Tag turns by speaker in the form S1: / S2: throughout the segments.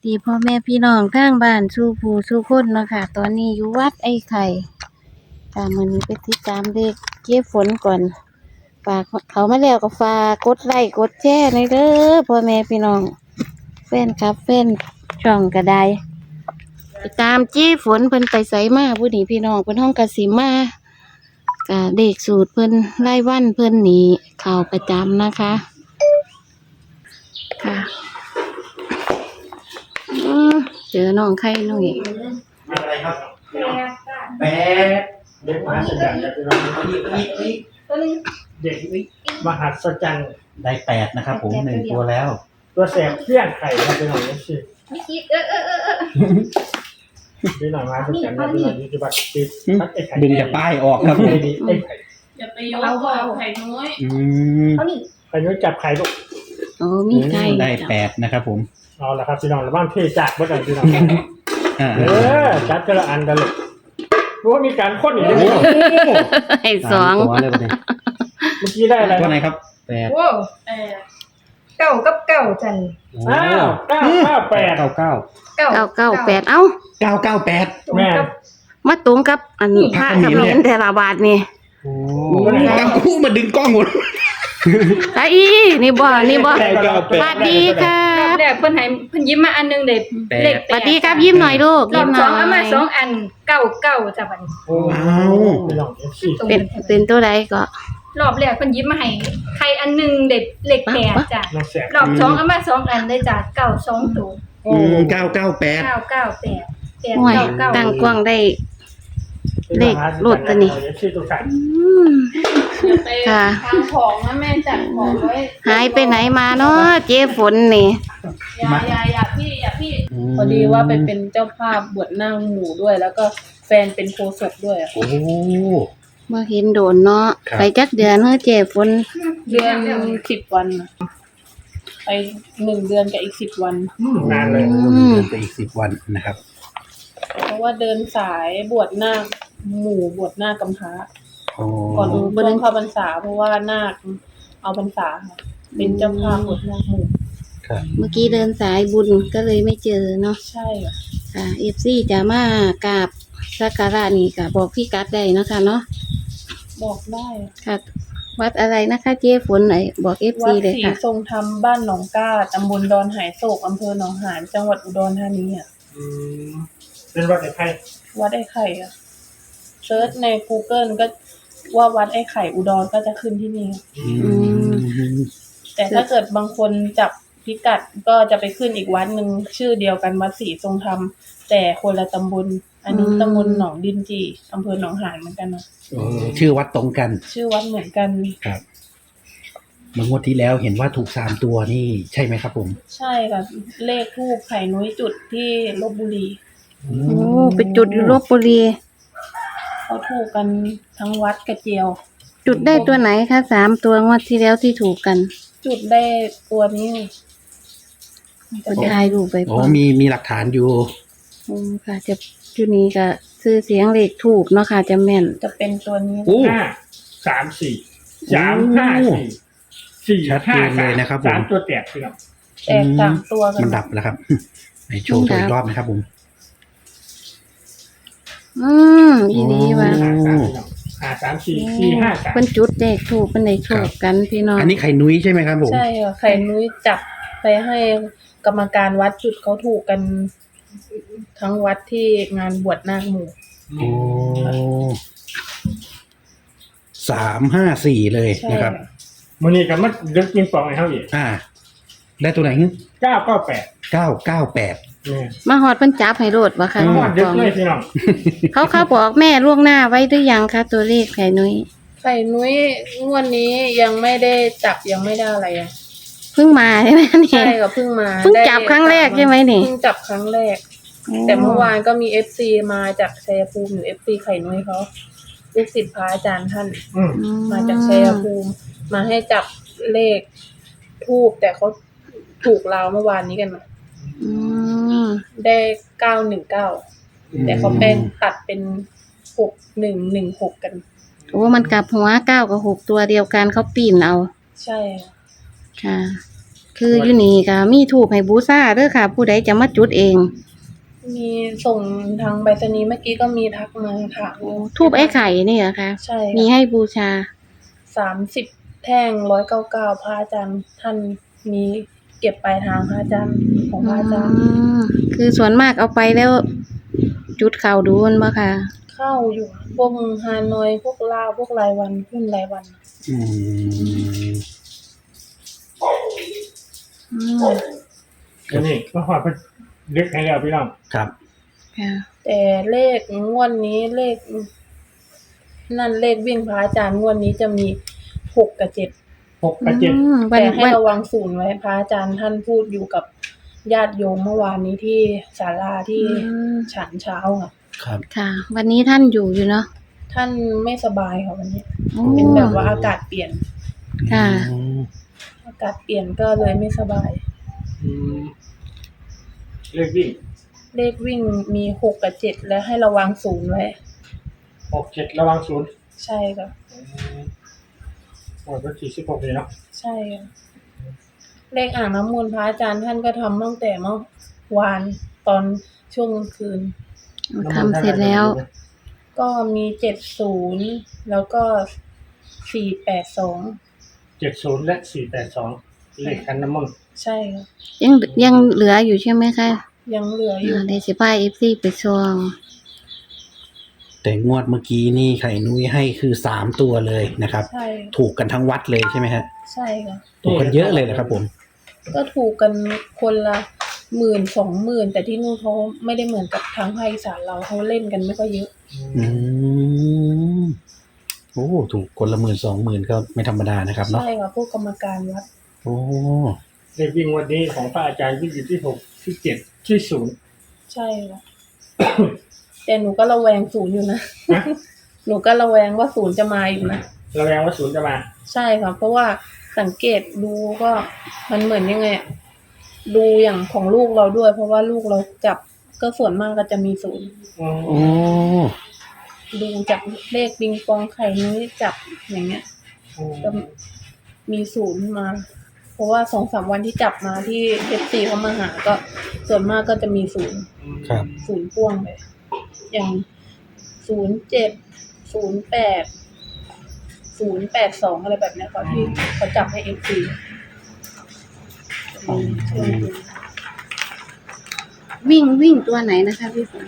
S1: ดีพ่อแม่พี่น้องทางบ้านสู่ผู้สู่คนเนาะค่ะตอนนี้อยู่วัดไอ้ไข่ค่ะมื้อนี้ไปติดตามเด็กเก็บฝนก่อนฝากเขามาแล้วก็ฝากกดไลค์กดแชร์หน่อยเด้อพ่อแม่พี่น้องแฟนครับแฟนช่องก็ได้ไปตามจี้ฝนเพิ่นไปไสมาผู้นี้พี่น้องเพิ่นห้องกสิมาก็เด็กสูตรเพิ่นรายวันเพิ่นนี่เข้าประจำนะคะค่ะ เจอน้องไข่น้องเอก
S2: อะไรครับแปดเด็กมหัศจรรย์ครับพี่น้องเด็กมหัศจรรย์ได้8นะครับผม1ตัวแล้ว ตัวแสบเพี้ยนไข่ครับพี่น้องนี่สิพี่น้องมหัศจรรย์ครับพี่น้องนี่คือบัตรติดพัดไอ้ไข่
S3: ดึงจากป้ายออกครับผม
S2: ไอ้ไข่
S4: อย่าไปยกเอาไข่น้อย
S2: ไข่น้อยจับไข่ลูก
S1: โอ้มีไข่
S3: ได้8นะครับผม
S2: เอาละครับพี่น้องระบ้างเทจากเมื่อไหร่พี่น้อง
S3: อ่า
S2: จัดกระอันกันเลยรู้ว่ามีการพ่นอีก
S3: โอ้
S2: แล้ว
S3: โห
S1: ไข่สอง
S3: ตัวเลยประเด็น
S2: เมื่อกี้ได้อะไร
S3: ตัวไหนครับ8
S4: โอ้
S5: เก้ากับเก้าจัน
S2: อ้าว998
S3: 99
S1: 998เอ้า
S3: 998
S2: แม่
S1: มาตรงกับอันพระกับเห็นแต่ละบาทนี่
S3: โอ้ตั้งคู่มาดึงกล้องหมด
S1: ตาอีนี่บ่นี่บ่
S3: 998
S1: สวัสดีครั
S5: รอบบ แรกเพิ่นให้เพิ่นยิ้มมาอันหนึงเด็ดเลข
S1: สวัสดีครับยิ้มหน่อยลูก
S5: รอ
S1: ยิ้
S5: บ
S1: มห
S5: ส
S1: น่
S5: อ
S1: อง
S5: เอามาย สองอันเก้าจ้ะบัดนี้
S2: โอ้พี่น้อง FC
S1: เป็นตัวใดก็
S5: รอบแรกเพิ่นยิ้มมาให้ใครอันหนึงเด็ดเลขแปดจ้ะ
S2: น้องแสบ
S5: รอบสองเอามาสองอันเลยจ้ะเก้าสองตัว
S3: 998
S5: เก้าเก้าแปด
S1: ห่วย
S5: เก้า
S1: ตั้งกว้างได้ เลขรถตัวนี้
S2: ชื่อตัวขัน
S1: อืม
S4: อย่าไป
S1: ค่ะ
S4: ทางของนะแม่จัดของไว้
S1: หายไปไหนมาเนาะเจ๊ฝนนี่
S4: อย่าพี่ พอดีว่าไปเป็นเจ้าภาพบวชนางหมู่ด้วย แล้วก็แฟนเป็นโฆษกด้วยอะ
S3: โอ้
S1: เมื่อเห็นโดนเนาะ
S3: ครับ
S1: ไปจักเดือนเฮ้อเจ๊ฝน
S4: เดือน10 วันน่ะไป1 เดือนกับอีก10 วัน
S2: นานเลย
S3: เดือนไปอีก10 วันนะครับ
S4: เพราะว่าเดินสายบวชนาคหมู่บวชนาคกำพร้า
S3: โอ้
S4: ก่อนช่วงเข้าพรรษาเพราะว่านาคเอาพรรษาค่ะเป็นเจ้าภาพบวชนาคหมู่
S3: ครับ
S1: เมื่อกี้เดินสายบุญก็เลยไม่เจอเนาะ
S4: ใช่ค่ะ
S1: ค่ะเอฟซีจะมากราบสักการะนี่ก็บอกพี่กัดได้เนาะคะเนาะ
S4: บอกได้
S1: ค่ะ วัดอะไรนะคะเจ๊ฝนไหนบอกเอฟ
S4: วั
S1: ซี
S4: ด
S1: เลย
S4: ศรี
S1: ค่ะ
S4: ทรงธรรมบ้านหนองก้าตำบลดอนหายโศกอำเภอหนองหานจังหวัดอุดรธานีอ่ะ
S2: เป็นวัดไอ้ไข่
S4: วัดไอ้ไข่อ่ะเซิร์ชใน Google ก็ว่าวัดไอ้ไข่อุดรก็จะขึ้นที่นี่ แต่ถ้าเกิดบางคนจับพิกัดก็จะไปขึ้นอีกวัดหนึ่งชื่อเดียวกันวัดศรีทรงธรรมแต่คนละตำบล อันนี้ตำบลหนองดินจีอำเภอหนองหานเหมือนกันนะ
S3: ชื่อวัดตรงกัน
S4: ชื่อวัดเหมือนกัน
S3: ครับเมื่องวดที่แล้วเห็นว่าถูก3 ตัวนี่ใช่ไหมครับผม
S4: ใช่ค่ะเลขทูปไข่นุ้ยจุดที่ลบบุรี
S1: โอ้ไปจุดอยู่ลบบุรี
S4: เขาถูกกันทั้งวัดกระเจียว
S1: จุดได้ตัวไหนคะ3 ตัวงวดที่แล้วที่ถูกกัน
S4: จุดได้ตัวนี้
S1: จะถ่ายรูปไป
S3: โอ้มีหลักฐานอยู่
S1: ค่ะ จะจุดนี้ก็ซื้อเสียงเลขถูกเนาะค่ะจะแม่น
S4: จะเป็นตัวนี้
S3: โอ้
S2: 5 3 4 3 5 4 4
S3: ชัดเจนเลยนะครับผม
S2: 3ตัวแตกพี่น้อง
S4: แตก3ตัวกั
S3: มัน นดับแล้วครับ ในโชว์ตัวอีกรอบนะครับผม
S1: อีดีว่ะ
S2: 5 3 4 4 5 3
S1: เพิ่นจุดเลขถูกเพิ่นได้โชคกันพี่น้อง
S3: อันนี้ไข่นุ้ยใช่ไหมครับผม
S4: ใช่ค่ะไข่นุ้ยจับไปให้กรรมการวัดจุดเขาถูกกัน ทั้งวัดที่งานบวชนาคหมู่
S3: โอ้354เลย
S4: ใช่
S3: นะครับ
S2: มื้อนี้ก็มาดึกปิงปองให้เฮาอีก
S3: ได้ตัวไหน
S2: 998
S3: 998
S2: นี่
S1: มาฮอดเพิ่นจับให้โลดบ่คะ
S2: ฮอดดึกเลยพี่น้อง
S1: เขาบอกแม่ล่วงหน้าไว้หรือยังคะตัวเลขไข่นุ้ย
S4: ไข่นุ้ยงวดนี้ยังไม่ได้จับยังไม่ได้อะไรอ่ะ
S1: เพิ่งมาใช่ไหมนี่
S4: ใช่ค่ะเพิ่งมา
S1: เพิ่งจับครั้งแรกใช่ไหมนี่
S4: เพิ่งจับครั้งแรก แต่เมื่อวานก็มี FC มาจากชัยภูมิอยู่ FC ไข่นุ้ยเขาลูกศิษย์พระอาจารย์ท่าน
S2: อืม
S4: มาจากชัยภูมิมาให้จับเลขทูบแต่เขาถูกราวเมื่อวานนี้กันมา
S1: อืม
S4: ได้919แต่เขาเป็นตัดเป็น6116กัน
S1: โอ้มันกลับหัว9 กับ 6ตัวเดียวกันเขาปีนเอา
S4: ใช่ค่ะ
S1: ค่ะคืออยู่นี่ก็มีถูกให้บูชาเด้อค่ะ ผู้ใดจะมาจุดเอง
S4: มีส่งทางไปรษณีย์เมื่อกี้ก็มีทักมาถาม
S1: ทูบไอ้ไข่นี่เหรอคะ
S4: ใช่
S1: มีให้บูชา
S4: 30 แท่ง199พระอาจารย์ท่านมีเก็บปลายทางพระอาจารย์ของพระอาจารย์
S1: คือส่วนมากเอาไปแล้ว จุดเข่าดูมันบ่ค่ะ
S4: เข้าอยู่พวกฮานอยพวกลาวพวกรายวันหุ้นรายวัน
S3: อืม
S2: อันนี้ก็หอดเพิ่นเล็กให้แล้วพี่น้อง
S3: ครับ
S1: ค่ะ
S4: แต่เลขงวดนี้เลขนั่นเลขวิ่งพระอาจารย์งวดนี้จะมี6 กับ 7
S2: 6 กับ 7
S1: วั
S4: แต่
S1: น
S4: ให้
S1: วัน
S4: ระวังศูนย์ไว้พระอาจารย์ท่านพูดอยู่กับญาติโยมเมื่อวานนี้ที่ศาลาที่ฉันเช้าค่ะ
S3: ครับ
S1: ค่ะ วันนี้ท่านอยู่เนาะ
S4: ท่านไม่สบายค่ะวันนี้
S1: โอ้
S4: เป็นแบบว่าอากาศเปลี่ยน
S1: ค่ะ
S3: อืม
S4: อากาศเปลี่ยนก็เลยไม่สบาย
S2: เลขวิ่ง
S4: เลขวิ่งมี6 กับ 7 และให้ระวังศูนย์ไว้
S2: 6 7ระวัง0
S4: ใช่ค่ะ
S2: หมดวันที่16นี่เนาะ
S4: ใช่ค่ะเลขอ่างน้ำมนต์พระอาจารย์ท่านก็ทำตั้งแต่เมื่อวานตอนช่วงกลางคืน
S1: ทำเสร็จแล้ว
S4: ก็มี70แล้วก็482
S2: 70และ482เลขคันน้ำมนต์
S4: ใช่ค่ะ
S1: ยังเหลืออยู่ใช่ไหมคะ
S4: ยังเหลืออยู่
S1: เดี๋ยวสิพา FC ไปซอง
S3: แต่งวดเมื่อกี้นี่ไข่นุ้ยให้คือ3 ตัวเลยนะครับ
S4: ใช่
S3: ถูกกันทั้งวัดเลยใช่ไหมฮะ
S4: ใช่ค่ะ
S3: ถูกกันเยอะเลยนะครับผม
S4: ก็ถูกกันคนละ10,000-20,000แต่ที่นู่นเขาไม่ได้เหมือนกับทางภาคอีสานเราเขาเล่นกันไม่ค่อยเยอะ
S3: อืมโอ้ถูกคนละ10,000-20,000ก็ไม่ธรรมดานะครับเนาะ
S4: ใช่ค่ะพวกกรรมการวัด
S3: โอ้
S2: เลขวิ่งวันนี้ของพระอาจารย์วิ่งอยู่ที่6ที่7ที่0
S4: ใช่ค่ะ แต่หนูก็ระแวงศูนย์อยู่นะ
S2: นะ
S4: หนูก็ระแวงว่าศูนย์จะมาอีกนะ
S2: ระแวงว่า0จะมา
S4: ใช่ค่ะ เพราะว่าสังเกตดูก็มันเหมือนยังไงอะดูอย่างของลูกเราด้วย เพราะว่าลูกเราจับก็ส่วนมากก็จะมีศูนย์
S3: โอ้
S4: ดูจากเลขปิงปองไข่นี้จับอย่างเงี้ยก็มีศูนย์มา เพราะว่า2-3วันที่จับมาที่FCเขามาหาก็ส่วนมากก็จะมีศูนย์
S3: ครับ
S4: ศูนย์พ่วงเลยอย่าง07 08 082อะไรแบบเนี้ยค่ะที่เขาจับให้ FC
S1: วิ่งตัวไหนนะคะพี่ฝน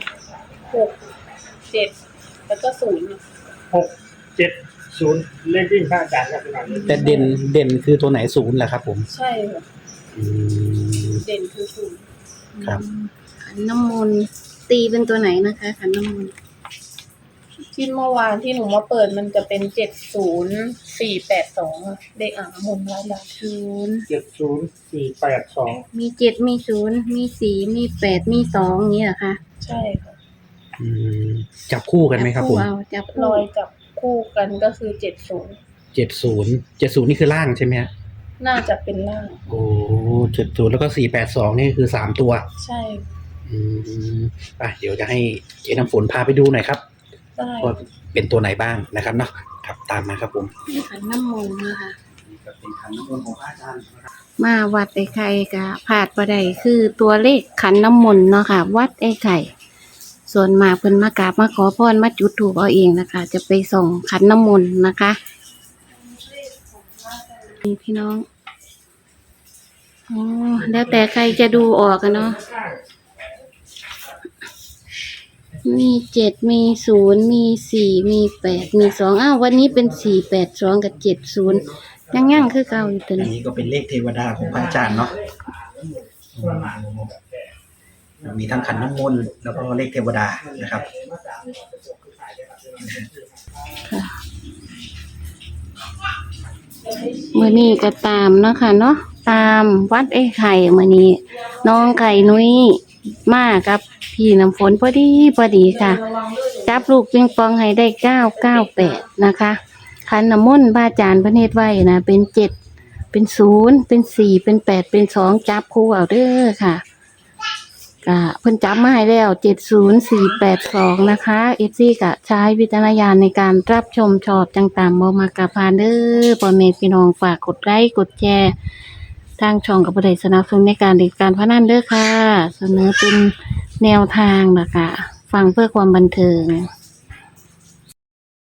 S4: 6 7แล้วก็0
S2: 6 7 0เลขวิ่งพระอาจารย์ครับพี่น้อง
S3: แต่เด่นคือตัวไหน0แหละครับผม
S4: ใช่ค่ะ
S3: อืม
S4: เด่นคือศูนย์
S3: ครับ
S1: ขันน้ำมนต์ตีเป็นตัวไหนนะคะขันน้ำมนต์
S4: ที่เมื่อวานที่หนูมาเปิดมันจะเป็น70482อะเลขอ่างน้ำมนต์ร้านดัง
S2: 70482
S1: มี7มี0มี4มี8มี2อย่างนี้เหรอคะ
S4: ใช่ค่ะ
S3: อืมจับคู่กันไหมครับผม
S1: จับ
S4: ร
S1: คู่
S4: อยจับคู่กันก็คือ
S3: 70นี่คือล่างใช่ไหมฮะ
S4: น่าจะเป็นล่าง
S3: โอ้70แล้วก็482นี่คือ3 ตัว
S4: ใช่
S3: อืมเดี๋ยวจะให้เจ๊น้ำฝนพาไปดูหน่อยครับ
S4: ได้
S3: ว่าเป็นตัวไหนบ้างนะครับเนาะครับตามมาครับผม
S1: ขันน้ำมนต์นะคะ
S3: นี่ก็เป็นขันน้ำมนต์ของพระอาจารย์นะครับ
S1: มาวัดไอ้ไข่กะผาดประไดคือตัวเลขขันน้ำมนต์เนาะค่ะ วัดไอ้ไข่ ส่วนมากเพิ่นมากราบมาขอพรมาจุดธูปเอาเองนะคะ จะไปส่งขันน้ำมนต์นะคะนี่พี่น้องอ๋อแล้วแต่ใครจะดูออกกันเนาะมี7มี0มี4มี8มี2อ้าววันนี้เป็น482กับ70ยังคือเก่าอยู่ตัว
S3: อัน
S1: นี้
S3: นี้ก็เป็นเลขเทวดาของพระอาจารย์เนาะมีทั้งขันน้ำมนต์แล้วก็เลขเทวดานะครับ
S1: มื้อนี้ก็ตามเนาะค่ะเนาะตามวัดไอ้ไข่มื้อนี้น้องไก่นุ้ยมากับพี่น้ำฝนพอดีค่ะ จับลูกปิงปองให้ได้998นะคะขันน้ำมนต์พระอาจารย์เพิ่นเฮ็ดไว้นะเป็น7เป็น0เป็น4เป็น8เป็น2จับคู่เอาเด้อค่ะก็เพิ่นจับมาให้แล้ว70482นะคะ FC ก็ใช้วิจารณญาณในการรับชมชอบจังตามบ่มักกะพานเด้อพ่อแม่พี่น้องฝากกดไลค์กดแชร์ทางช่องกับผู้ใดสนับสนุนในการเล่นการพนันเด้อค่ะ เสนอเป็นแนวทางนะคะฟังเพื่อความบันเทิง